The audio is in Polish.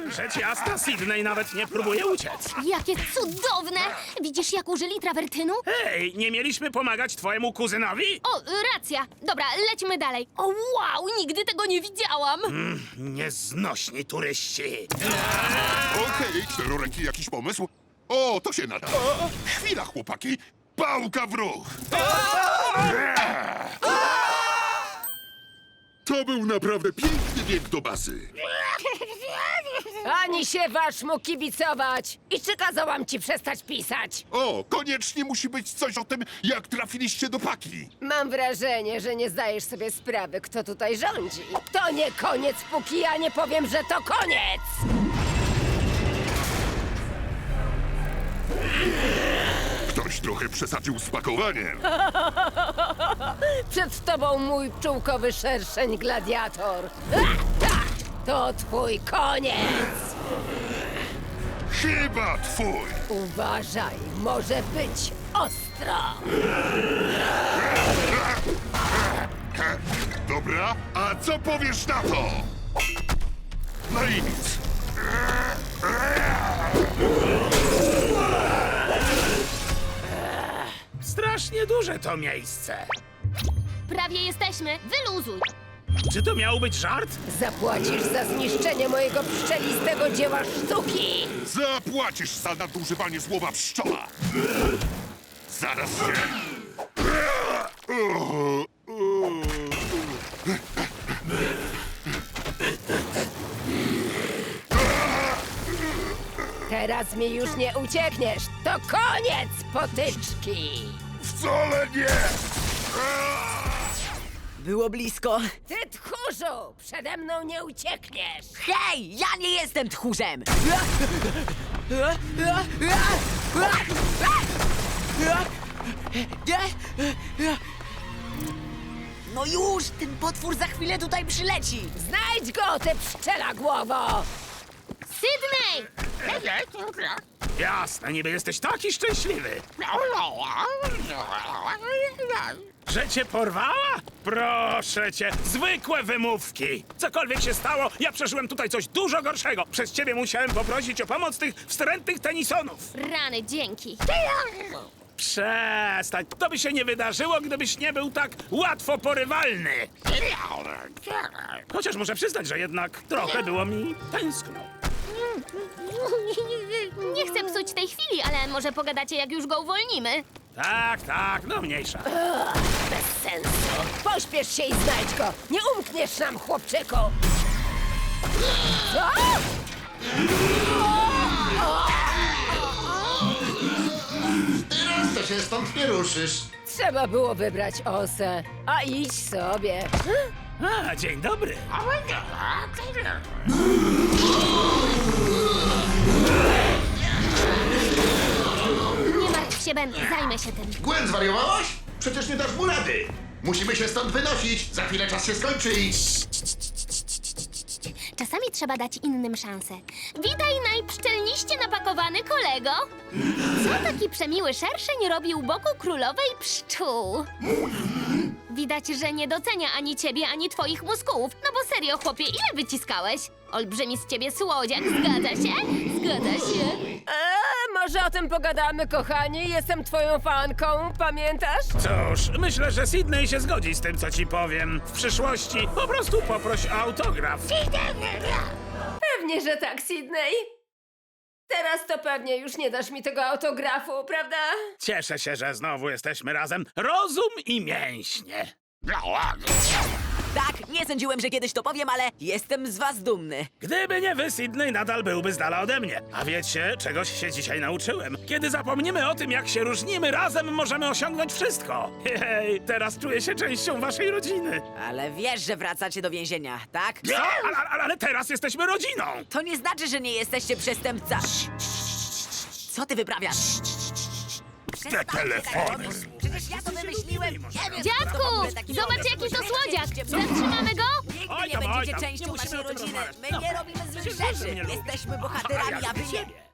Rzecz jasna, Sydney nawet nie próbuje uciec. Jakie cudowne! Widzisz, jak użyli trawertynu? Hej, nie mieliśmy pomagać twojemu kuzynowi? O, racja. Dobra, lećmy dalej. O, wow, nigdy tego nie widziałam. Nieznośni turyści. Okej, czteroręki, jakiś pomysł? O, to się nada. Chwila, chłopaki. Pałka w ruch. To był naprawdę piękny bieg do bazy. Ani się wasz mu kibicować! I czy kazałam ci przestać pisać? O, koniecznie musi być coś o tym, jak trafiliście do paki. Mam wrażenie, że nie zdajesz sobie sprawy, kto tutaj rządzi. To nie koniec, póki ja nie powiem, że to koniec! Ktoś trochę przesadził z pakowaniem. Przed tobą mój pszczółkowy szerszeń gladiator. To twój koniec! Chyba twój. Uważaj, może być ostro! Dobra, a co powiesz na to? No i nic. Strasznie duże to miejsce. Prawie jesteśmy. Wyluzuj. Czy to miał być żart? Zapłacisz za zniszczenie mojego pszczelistego dzieła sztuki! Zapłacisz za nadużywanie słowa pszczoła. Zaraz się... Teraz mi już nie uciekniesz! To koniec, potyczki! Wcale nie! Było blisko. Ty tchórzu! Przede mną nie uciekniesz! Hej, ja nie jestem tchórzem! No już, ten potwór za chwilę tutaj przyleci. Znajdź go, ty pszczela głowo! Sydney! Jasne, niby jesteś taki szczęśliwy. Że cię porwała? Proszę cię, zwykłe wymówki. Cokolwiek się stało, ja przeżyłem tutaj coś dużo gorszego. Przez ciebie musiałem poprosić o pomoc tych wstrętnych tenisonów. Rany, dzięki. Przestań, to by się nie wydarzyło, gdybyś nie był tak łatwo porywalny. Chociaż muszę przyznać, że jednak trochę było mi tęskno. Nie chcę psuć tej chwili, ale może pogadacie, jak już go uwolnimy. Tak, no mniejsza. Bez sensu! Pośpiesz się i znajdź go! Nie umkniesz nam, chłopczyku! Co? Teraz to się stąd nie ruszysz. Trzeba było wybrać osę. A idź sobie. A, dzień dobry. Nie martw się, Ben, zajmę się tym. Gwen, zwariowałaś? Przecież nie dasz mu rady. Musimy się stąd wynosić. Za chwilę czas się skończy i... Czasami trzeba dać innym szansę. Witaj, najpszczelniście napakowany kolego. Co taki przemiły szerszeń robi u boku królowej pszczół? Widać, że nie docenia ani ciebie, ani twoich muskułów. No bo serio, chłopie, ile wyciskałeś? Olbrzymi z ciebie słodziak, zgadza się? Zgadza się. Może o tym pogadamy, kochani? Jestem twoją fanką, pamiętasz? Cóż, myślę, że Sydney się zgodzi z tym, co ci powiem. W przyszłości po prostu poproś o autograf. Pewnie, że tak, Sydney. Teraz to pewnie już nie dasz mi tego autografu, prawda? Cieszę się, że znowu jesteśmy razem. Rozum i mięśnie. Tak, nie sądziłem, że kiedyś to powiem, ale jestem z was dumny. Gdyby nie wy, Sydney nadal byłby z dala ode mnie. A wiecie, czegoś się dzisiaj nauczyłem. Kiedy zapomnimy o tym, jak się różnimy, razem możemy osiągnąć wszystko. Hej, teraz czuję się częścią waszej rodziny. Ale wiesz, że wracacie do więzienia, tak? Co? Ale teraz jesteśmy rodziną. To nie znaczy, że nie jesteście przestępca. Co ty wyprawiasz? Te telefony. Przecież ja to wymyśliłem. Nie wiem, Dziadku, kto w ogóle taki zobacz, dobry. jaki to Musicie słodziak. mnie Zatrzymamy go? Nigdy Oj nie tam, będziecie nie częścią musimy naszej o tym rodziny. rozmawiać. My nie robimy złych Przecież wy rzeczy. mnie lubicie. Jesteśmy bohaterami, A a wy jak nie. siebie.